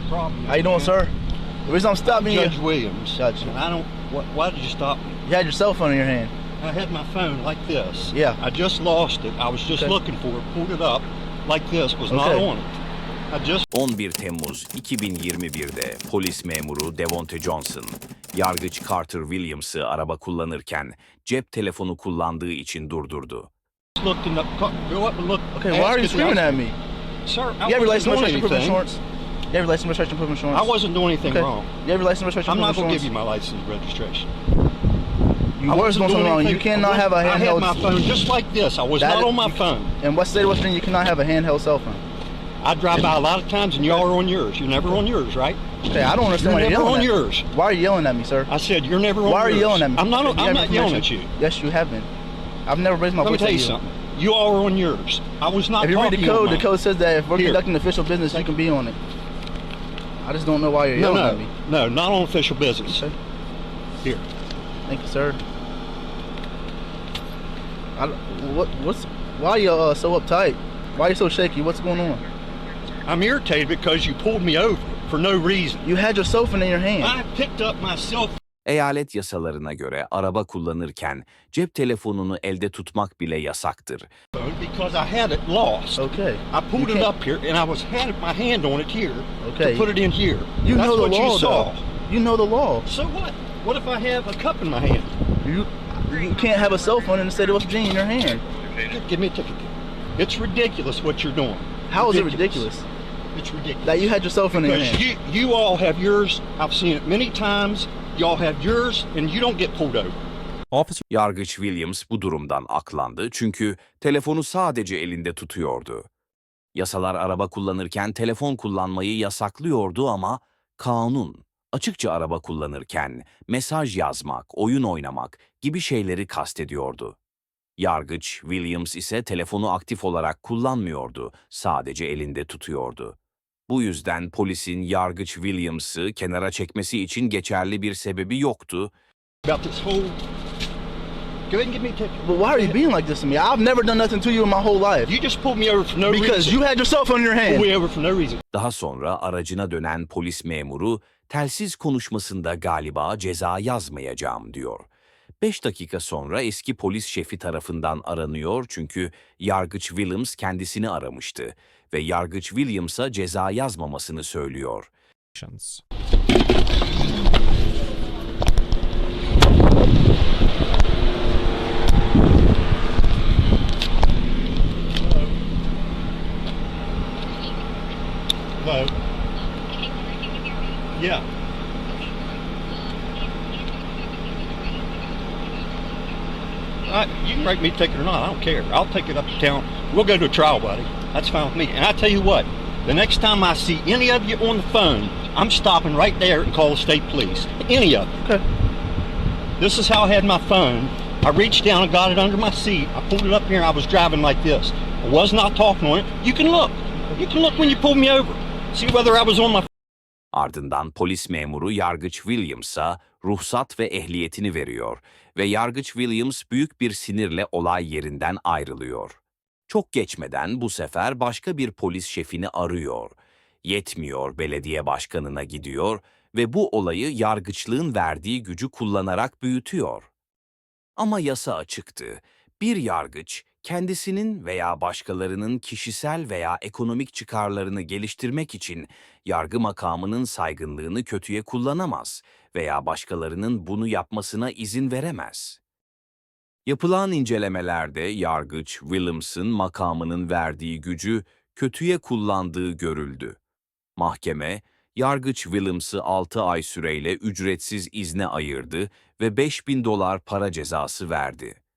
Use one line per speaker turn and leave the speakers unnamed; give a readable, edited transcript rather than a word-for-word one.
problem.
How you doing, sir? The reason I'm stopping you...
Judge Williams.
Gotcha.
And I don't. Why did you stop me?
You had your cell phone in your hand.
I had my phone like this.
Yeah.
I just lost it. I was just looking for it. Pulled it up like this. Was not on it. I just.
11 Temmuz 2021'de polis memuru Devonte Johnson, yargıç Carter Williams'ı araba kullanırken cep telefonu kullandığı için durdurdu.
Looked in the. Go up and look.
Okay, why are you screaming at me?
Sir,
You
I
have your
wasn't
license,
doing
registration, proof of
anything.
insurance? You have your license, registration, proof of insurance?
I wasn't doing anything wrong.
You have your license, registration,
I'm
proof
not
of
going to
insurance?
give you my license and registration.
You were doing something wrong. You cannot have a
I had
handheld...
my phone just like this. I was not on my phone.
In what state of West Virginia you cannot have a handheld cell phone?
I drive by a lot of times and y'all are on yours. You're never on yours, right?
Okay, I don't understand why
You're
you're
never
yelling
on
at
yours.
me. Why are you yelling at me, sir?
I said you're never on yours.
Why are you yelling at me?
I'm not
You have
yelling at
information.
you.
Yes, you have been. I've never raised my
Let me
voice
tell
at
you
you.
something. You all are on yours. I was not
If you read
talking
the code says that if we're
Here.
conducting official business, you can be on it. I just don't know why you're yelling at me.
No, not on official business.
Okay.
Here.
Thank you, sir. Why are you so uptight? Why are you so shaky? What's going on?
I'm irritated because you pulled me over for no reason.
You had your cell phone in your hand.
I picked up my cell
Eyalet yasalarına göre araba kullanırken cep telefonunu elde tutmak bile yasaktır.
phone because I had it lost.
Okay.
I pulled it up here and I had my hand on it here
Okay.
to put it in here.
You
That's
know the
what
law,
you saw.
though. You know the law.
So what? What if I have a cup in my hand?
You can't have a cell phone in the state of West Virginia in your hand.
Give me a ticket. It's ridiculous what you're doing.
How is it ridiculous?
It's ridiculous.
That you had your cell phone in your
Because
hand.
you all have yours. I've seen it many times. Y'all have yours and you don't get pulled over.
Yargıç Williams bu durumdan aklandı çünkü telefonu sadece elinde tutuyordu. Yasalar araba kullanırken telefon kullanmayı yasaklıyordu ama kanun açıkça araba kullanırken mesaj yazmak, oyun oynamak gibi şeyleri kastediyordu. Yargıç Williams ise telefonu aktif olarak kullanmıyordu, sadece elinde tutuyordu. Bu yüzden polisin Yargıç Williams'ı kenara çekmesi için geçerli bir sebebi yoktu.
About this whole... Go ahead and give me a ticket.
But why are you being like this to me? I've never done nothing to you in my whole life.
You just pulled me over for no
Because
reason.
you had your cell phone in your hand.
Pulled me over for no reason.
Daha sonra aracına dönen polis memuru telsiz konuşmasında galiba ceza yazmayacağım diyor. 5 dakika sonra eski polis şefi tarafından aranıyor çünkü Yargıç Williams kendisini aramıştı ve Yargıç Williams'a ceza yazmamasını söylüyor.
Hello? Yeah. You can write me a ticket or not. I don't care. I'll take it up to town. We'll go to a trial, buddy. That's fine with me. And I tell you what, the next time I see any of you on the phone, I'm stopping right there and call the state police. Any of you.
Okay.
This is how I had my phone. I reached down and got it under my seat. I pulled it up here and I was driving like this. I was not talking on it. You can look. You can look when you pulled me over. See whether I was on my...
Ardından polis memuru Yargıç Williams'a ruhsat ve ehliyetini veriyor ve Yargıç Williams büyük bir sinirle olay yerinden ayrılıyor. Çok geçmeden bu sefer başka bir polis şefini arıyor. Yetmiyor, belediye başkanına gidiyor ve bu olayı yargıçlığın verdiği gücü kullanarak büyütüyor. Ama yasa açıktı. Bir yargıç kendisinin veya başkalarının kişisel veya ekonomik çıkarlarını geliştirmek için yargı makamının saygınlığını kötüye kullanamaz veya başkalarının bunu yapmasına izin veremez. Yapılan incelemelerde Yargıç Williams'ın makamının verdiği gücü kötüye kullandığı görüldü. Mahkeme, Yargıç Williams'ı 6 ay süreyle ücretsiz izne ayırdı ve $5.000 para cezası verdi.